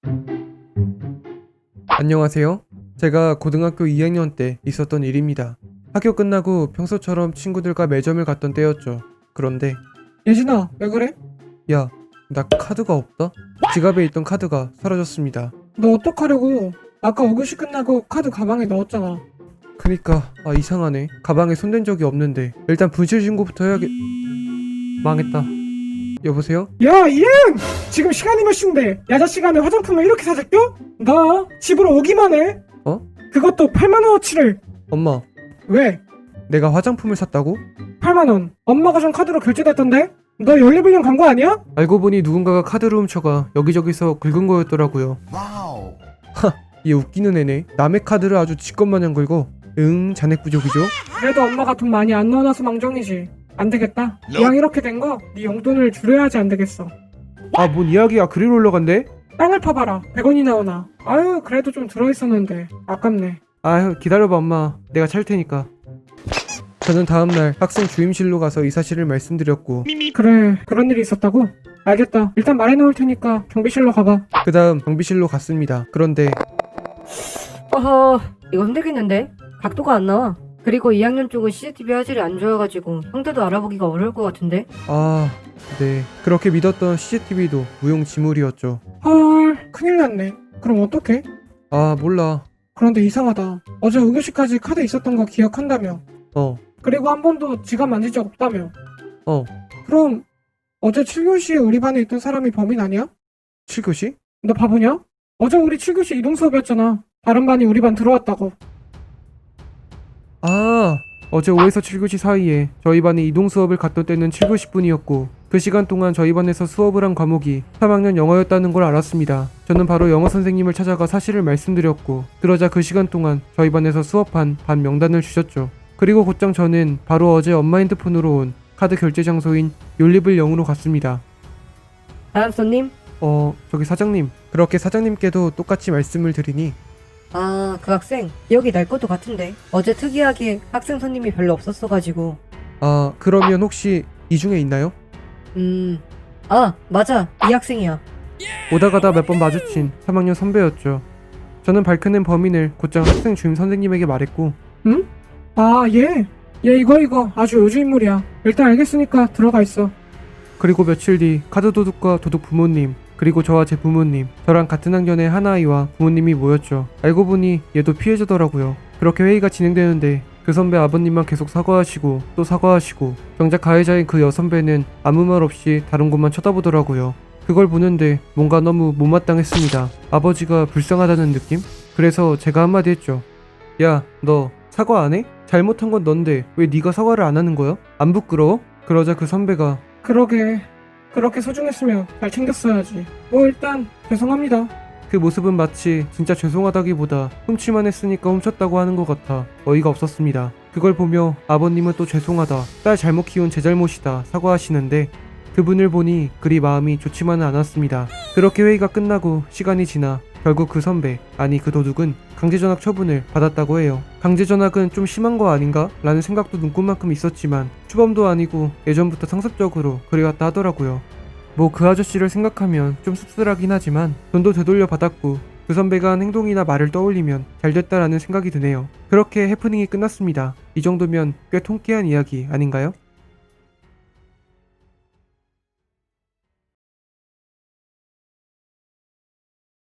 안녕하세요. 제가 고등학교 2학년 때 있었던 일입니다. 학교 끝나고 평소처럼 친구들과 매점을 갔던 때였죠. 그런데 예진아, 왜 그래? 야, 나 카드가 없다? 지갑에 있던 카드가 사라졌습니다. 너 어떡하려고? 아까 5교시 끝나고 카드 가방에 넣었잖아. 그니까 이상하네. 가방에 손댄 적이 없는데 일단 분실 신고부터 해야겠... 망했다. 여보세요? 야, 이행! 지금 시간이 몇 시인데 야자 시간에 화장품을 이렇게 사재껴? 나 집으로 오기만 해. 어? 그것도 8만원어치를. 엄마, 왜? 내가 화장품을 샀다고? 8만원. 엄마가 준 카드로 결제됐던데? 너 연리불량 간 거 아니야? 알고 보니 누군가가 카드를 훔쳐가 여기저기서 긁은 거였더라고요. 와우. 얘 웃기는 애네. 남의 카드를 아주 지껏마냥 긁어. 잔액 부족이죠? 그래도 엄마가 돈 많이 안 넣어놔서 망정이지. 안 되겠다. 이왕 이렇게 된 거 네 용돈을 줄여야지 안 되겠어. 아, 뭔 이야기야. 그리로 올라간대? 땅을 파봐라. 100원이 나오나. 아유, 그래도 좀 들어있었는데 아깝네. 아휴, 기다려봐 엄마. 내가 찰 테니까. 저는 다음날 학생 주임실로 가서 이 사실을 말씀드렸고 그래, 그런 일이 있었다고? 알겠다. 일단 말해놓을 테니까 경비실로 가봐. 그 다음 경비실로 갔습니다. 그런데 어허, 이거 힘들겠는데? 각도가 안 나와. 그리고 2학년 쪽은 CCTV 화질이 안 좋아가지고 형태도 알아보기가 어려울 것 같은데? 네, 그렇게 믿었던 CCTV도 무용지물이었죠. 헐, 큰일 났네. 그럼 어떡해? 몰라. 그런데 이상하다. 어제 5교시까지 카드 있었던 거 기억한다며. 어, 그리고 한 번도 지갑 만진 적 없다며. 어. 그럼 어제 7교시에 우리 반에 있던 사람이 범인 아니야? 7교시? 너 바보냐? 어제 우리 7교시 이동 수업이었잖아. 다른 반이 우리 반 들어왔다고. 어제 5에서 7교시 사이에 저희 반이 이동 수업을 갔던 때는 7교시 뿐이었고 그 시간 동안 저희 반에서 수업을 한 과목이 3학년 영어였다는 걸 알았습니다. 저는 바로 영어 선생님을 찾아가 사실을 말씀드렸고 그러자 그 시간 동안 저희 반에서 수업한 반 명단을 주셨죠. 그리고 곧장 저는 바로 어제 엄마 핸드폰으로 온 카드 결제 장소인 욜리블 0으로 갔습니다. 다음 손님? 저기 사장님. 그렇게 사장님께도 똑같이 말씀을 드리니 아, 그 학생 기억이 날 것도 같은데 어제 특이하게 학생 손님이 별로 없었어가지고 그러면 혹시 이 중에 있나요? 맞아, 이 학생이야. 오다 가다 몇 번 마주친 3학년 선배였죠. 저는 밝혀낸 범인을 곧장 학생 주임 선생님에게 말했고 응? 아, 얘 이거 아주 요주 인물이야. 일단 알겠으니까 들어가 있어. 그리고 며칠 뒤 카드 도둑과 도둑 부모님 그리고 저와 제 부모님 저랑 같은 학년의 하나아이와 부모님이 모였죠. 알고 보니 얘도 피해자더라고요. 그렇게 회의가 진행되는데 그 선배 아버님만 계속 사과하시고 또 사과하시고 정작 가해자인 그 여선배는 아무 말 없이 다른 곳만 쳐다보더라고요. 그걸 보는데 뭔가 너무 못마땅했습니다. 아버지가 불쌍하다는 느낌? 그래서 제가 한마디 했죠. 야, 너 사과 안 해? 잘못한 건 넌데 왜 네가 사과를 안 하는 거야? 안 부끄러워? 그러자 그 선배가 그러게. 그렇게 소중했으면 잘 챙겼어야지. 뭐 일단 죄송합니다. 그 모습은 마치 진짜 죄송하다기보다 훔칠만 했으니까 훔쳤다고 하는 것 같아 어이가 없었습니다. 그걸 보며 아버님은 또 죄송하다, 딸 잘못 키운 제 잘못이다 사과하시는데 그분을 보니 그리 마음이 좋지만은 않았습니다. 그렇게 회의가 끝나고 시간이 지나 결국 그 선배, 아니 그 도둑은 강제전학 처분을 받았다고 해요. 강제전학은 좀 심한 거 아닌가? 라는 생각도 눈꽃만큼 있었지만 추범도 아니고 예전부터 상습적으로 그래왔다 하더라고요. 뭐 그 아저씨를 생각하면 좀 씁쓸하긴 하지만 돈도 되돌려 받았고 그 선배가 한 행동이나 말을 떠올리면 잘됐다라는 생각이 드네요. 그렇게 해프닝이 끝났습니다. 이 정도면 꽤 통쾌한 이야기 아닌가요?